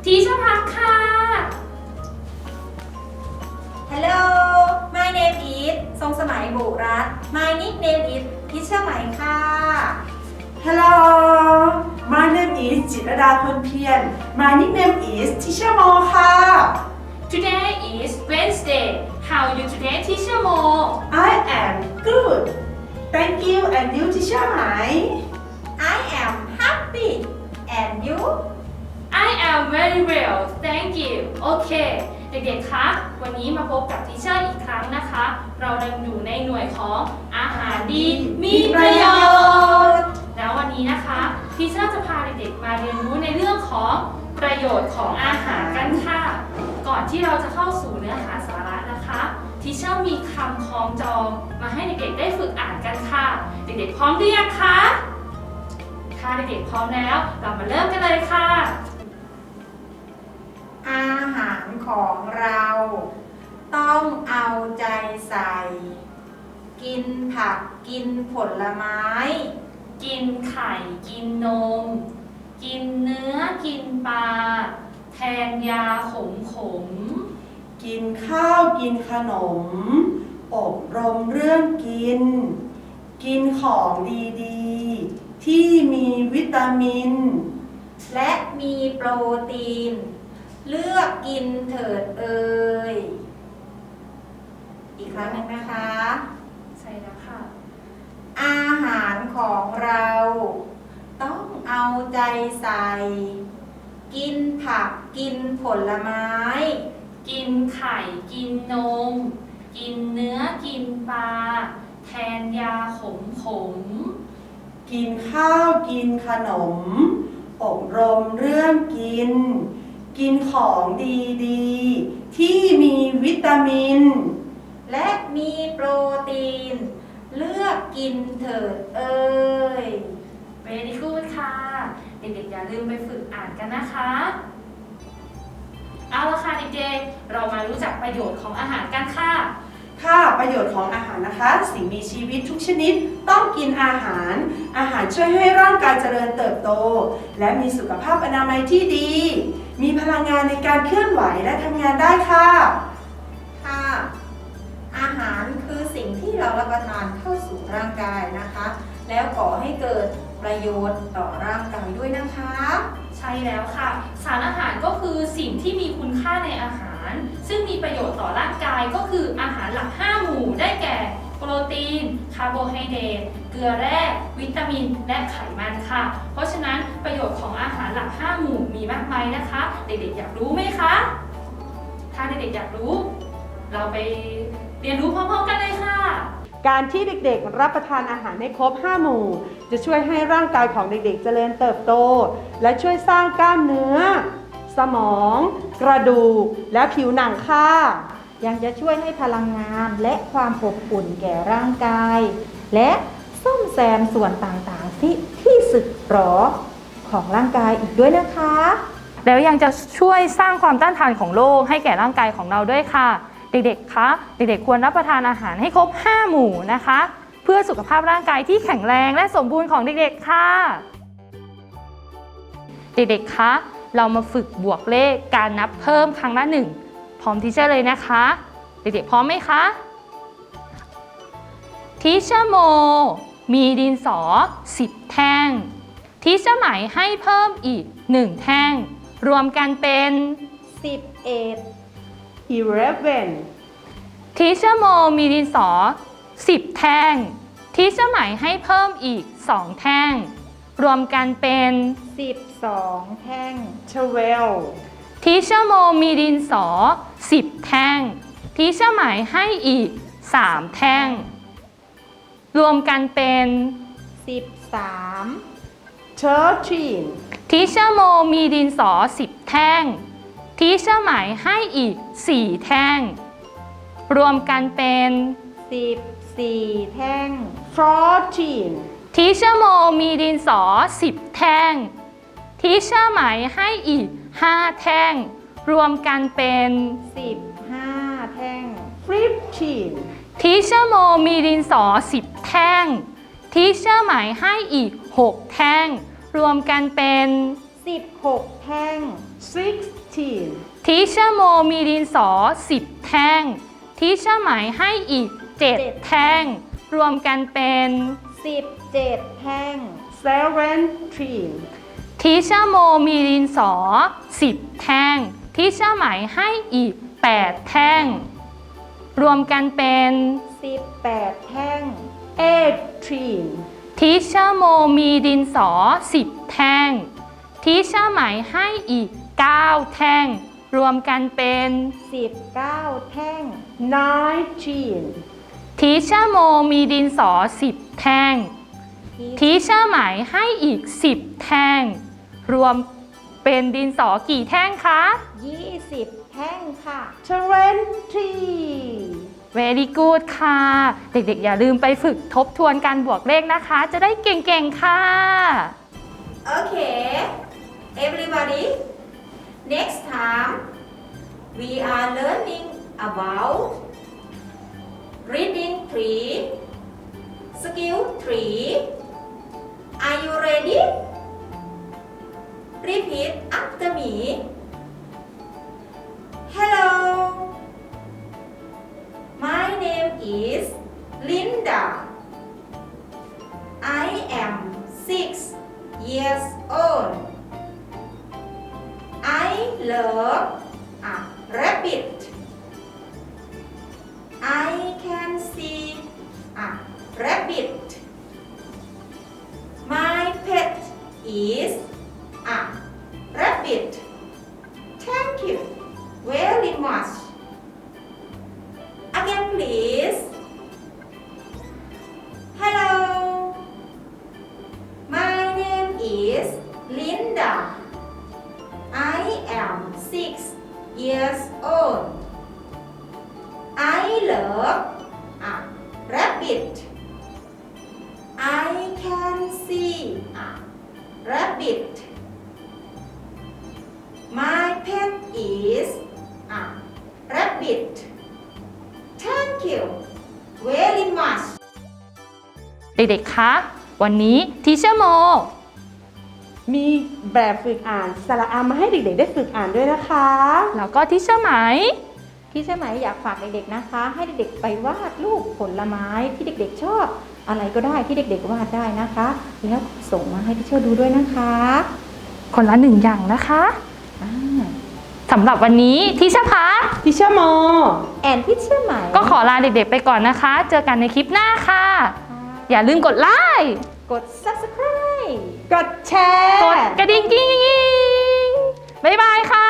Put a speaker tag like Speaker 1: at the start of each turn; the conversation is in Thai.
Speaker 1: ทีเชอร์พักค่ะ
Speaker 2: Hello my name is ทรงสมัยบุรัตน์ My nickname is ทิเชอร์ไหมค่ะ
Speaker 3: Hello my name is จิตรดาคนเพียร My nickname is Teacher Mo ค่ะ
Speaker 1: Today is Wednesday How are you today Teacher Mo
Speaker 3: I am good Thank you and you Teacher ไหม
Speaker 2: I am happy and you
Speaker 1: I am very well thank you โอเค เด็กๆ คะ วันนี้มาพบกับทีเชอร์อีกครั้งนะคะ เราดังอยู่ในหน่วยของอาหารดีมีประโยชน์ แล้ววันนี้นะคะทีเชอร์จะพาเด็กๆ มาเรียนรู้ในเรื่องของประโยชน์ของอาหารกันค่ะ ก่อนที่เราจะเข้าสู่เนื้อหาสาระนะคะทีเชอร์มีคำคล้องจองมาให้เด็กๆ ได้ฝึกอ่านกันค่ะ เด็กๆ พร้อมหรือยังคะถ้าเด็กๆ พร้อมแล้วเรามาเริ่มกันเลยค่ะ
Speaker 2: อาหารของเราต้องเอาใจใส่ กินผักกินผลไม้
Speaker 1: กินไข่กินนม กินเนื้อกินปลาแทนยาขม
Speaker 3: กินข้าวกินขนม อบรมเรื่องกิน กินของดีๆ ที่มีวิตามิน
Speaker 2: และมีโปรตีน เลือกกินเถิดเอ่ยอีกครั้งหนึ่งนะคะ
Speaker 1: ใช่แล้วค่ะ
Speaker 2: อาหารของเราต้องเอาใจใส่ กินผักกินผลไม้
Speaker 1: กินไข่กินนม กินเนื้อกินปลาแทนยาขม
Speaker 3: กินข้าวกินขนม อบรมเรื่องกิน กินของดีๆ ที่มีวิตามิน
Speaker 2: และมีโปรตีน เลือกกินเถิดเอ่ย
Speaker 1: ๆ Very good ค่ะ เด็กๆ อย่าลืมไปฝึกอ่านกันนะคะ เอาละค่ะเด็กๆ เรามารู้จักประโยชน์ของอาหารกันค่ะ
Speaker 3: ค่ะประโยชน์ของอาหารนะคะ สิ่งมีชีวิตทุกชนิดต้องกินอาหาร อาหารช่วยให้ร่างกายเจริญเติบโต และมีสุขภาพอนามัยที่ดี มีพลังงานในการเคลื่อนไหวและทำงานได้ค่ะ
Speaker 2: ค่ะ อาหารคือสิ่งที่เรารับประทานเข้าสู่ร่างกายนะคะ แล้วก่อให้เกิดประโยชน์ต่อร่างกายด้วยนะคะ
Speaker 1: ใช่แล้วค่ะ สารอาหารก็คือสิ่งที่มีคุณค่าในอาหาร ซึ่งมีประโยชน์ต่อร่างกายก็คืออาหารหลัก 5 หมู่ได้แก่ โปรตีน คาร์โบไฮเดรต เกลือแร่ วิตามิน และไขมันค่ะ เพราะฉะนั้นประโยชน์ของอาหารหลัก 5 หมู่มีมากมายนะคะ เด็กๆ อยากรู้ไหมคะ ถ้าเด็กๆ อยากรู้ เราไปเรียนรู้พร้อมๆกันเลยค่ะ
Speaker 3: การที่เด็กๆ รับประทานอาหารให้ครบ 5 หมู่ จะช่วยให้ร่างกายของเด็กๆ เจริญเติบโต และช่วยสร้างกล้ามเนื้อ สมอง กระดูก และผิวหนังค่ะ
Speaker 4: ยังจะช่วยให้พลังงานและความอบอุ่นแก่ร่างกาย และซ่อมแซมส่วนต่างๆที่สึกหรอของร่างกายอีกด้วยนะคะ
Speaker 1: แล้วยังจะช่วยสร้างความต้านทานของโรคให้แก่ร่างกายของเราด้วยค่ะ เด็กๆ คะ เด็กๆ ควรรับประทานอาหารให้ครบ 5 หมู่นะคะ เพื่อสุขภาพร่างกายที่แข็งแรงและสมบูรณ์ของเด็กๆ ค่ะ เด็กๆ คะ เรามาฝึกบวกเลขการนับเพิ่มครั้งละ 1 พร้อมทีเชอร์เลยนะคะ เด็กๆ พร้อมไหมคะ ทีเชอร์โมมีดินสอ 10 แท่ง ทีเชอร์ไหมให้เพิ่มอีก 1 แท่ง รวมกันเป็น
Speaker 4: 11
Speaker 3: 11
Speaker 1: ทีเชอร์โมมีดินสอ 10 แท่ง ทีเชอร์ไหมให้เพิ่มอีก 2 แท่ง รวมกันเป็น
Speaker 4: 12 แท่ง
Speaker 3: 12
Speaker 1: ทีเชอร์โมมีดินสอ 10 แท่ง ทีเชอร์ไหมให้อีก 3 แท่ง รวมกันเป็น
Speaker 4: 13
Speaker 3: 13
Speaker 1: ทีเชอร์โมมีดินสอ 10 แท่ง ทีเชอร์ไหมให้อีก 4 แท่ง รวมกันเป็น
Speaker 4: 14 แท่ง
Speaker 3: 14
Speaker 1: ทีเชอร์โมมีดินสอ 10 แท่ง ทีเชอร์ไหมให้อีก 5 แท่ง รวมกันเป็น
Speaker 4: 15 แท่ง
Speaker 3: 15
Speaker 1: ทีเชอร์โมมีดินสอ 10 แท่ง ทีเชอร์ไหมให้อีก 6 แท่ง รวมกันเป็น
Speaker 4: 16 แท่ง
Speaker 3: 16
Speaker 1: ทีเชอร์โมมีดินสอ 10 แท่งทีเชอร์ไหมให้อีก 7 แท่งรวมกันเป็น
Speaker 4: 17 แท่ง
Speaker 3: 17
Speaker 1: ทีเชอร์โมมีดินสอ 10 แท่งทีเชอร์ไหมให้อีก 8 แท่งรวมกันเป็น
Speaker 4: 18 แท่ง
Speaker 3: 18
Speaker 1: ทีเชอร์โมมีดินสอ 10 แท่งทีเชอร์ไหมให้อีก 9 แท่งรวมกันเป็น
Speaker 4: 19 แท่ง
Speaker 3: 19
Speaker 1: ทีเชอร์โมมีดินสอ 10 แท่งทีเชอร์ไหมให้อีก 10 แท่งรวมเป็นดินสอกี่แท่งคะ
Speaker 4: 20 แท่งค่ะ
Speaker 3: 20
Speaker 1: Very good ค่ะ เด็กๆอย่าลืมไปฝึกทบทวนการบวกเลขนะคะ จะได้เก่งๆค่ะ
Speaker 2: Okay, everybody. Next time, we are learning about reading tree, skill tree. Are you ready? Repeat after me. Hello. My name is Linda. I am 6 years old. I love a rabbit. I can see a rabbit. My pet is a rabbit. Thank you very much. Again, please. Hello. My name is Linda. I am 6 years old. I love a rabbit. I can see a rabbit. My pet is a rabbit. Thank you very much.
Speaker 1: เด็กๆ คะ วันนี้ทีเชอร์โม
Speaker 3: มีแบบฝึกอ่านสระอามาให้เด็กๆได้ฝึกอ่านด้วยนะคะ
Speaker 1: แล้วก็ทีเชอร์ไหม
Speaker 4: พี่เชื่อไหมอยากฝากเด็กๆนะคะ ให้เด็กๆไปวาดรูปผลไม้ที่เด็กๆชอบ อะไรก็ได้ที่เด็กๆวาดได้นะคะ แล้วส่งมาให้พี่เชื่อดูด้วยนะคะ
Speaker 1: คนละ1 อย่างนะคะ
Speaker 4: อ่า
Speaker 1: สำหรับวันนี้ทีเชอร์พัก
Speaker 3: ทิเชอร์โม
Speaker 4: แอนพี่เชื่อไหม
Speaker 1: ก็ขอลาเด็กๆไปก่อนนะคะ เจอกันในคลิปหน้าค่ะ อย่าลืมกดไลค์
Speaker 4: กด subscribe
Speaker 3: กดแชร์
Speaker 1: กดกระดิ่งกิ๊งๆบ๊ายบายค่ะ